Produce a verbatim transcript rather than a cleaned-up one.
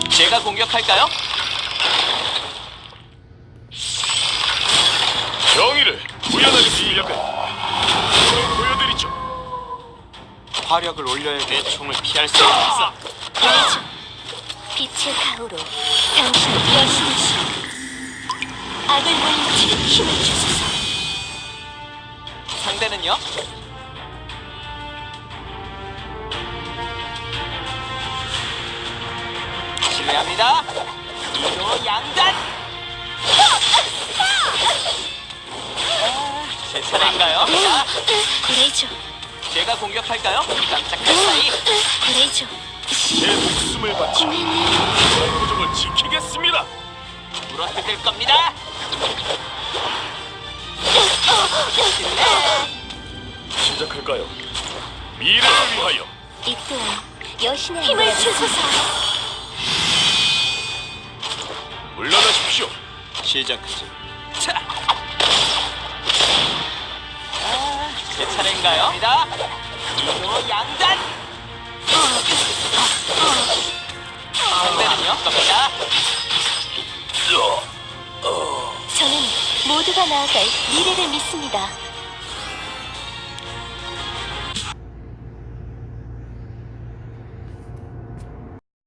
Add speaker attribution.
Speaker 1: 제가 공격할까요?
Speaker 2: 정의를 구현하는 실력을 보여드리죠.
Speaker 1: 화력을 올려야 내 총을 피할 수 없어.
Speaker 3: 보이죠? 빛의 가호로 당신의 여신이시여, 악을 물리칠 힘을 주소서.
Speaker 1: 상대는요? 실례합니다. 이도 양단. 아, 제 차례인가요? 자,
Speaker 3: 그레이죠.
Speaker 1: 제가 공격할까요? 깜짝할 사이.
Speaker 3: 그레이죠.
Speaker 2: 제 목숨을 바쳐 고정을 지키겠습니다.
Speaker 1: 물어뜯을 겁니다.
Speaker 2: 시작할까요? 미래를 위하여.
Speaker 3: 이 또한 여신의 힘을 주소서.
Speaker 2: 물러나십시오.
Speaker 1: 시작하지. 자. 아, 제 차례인가요? 갑니다. 이도 양단. 상대는요? 겁니다.
Speaker 3: 저는 모두가 나아갈 미래를 믿습니다.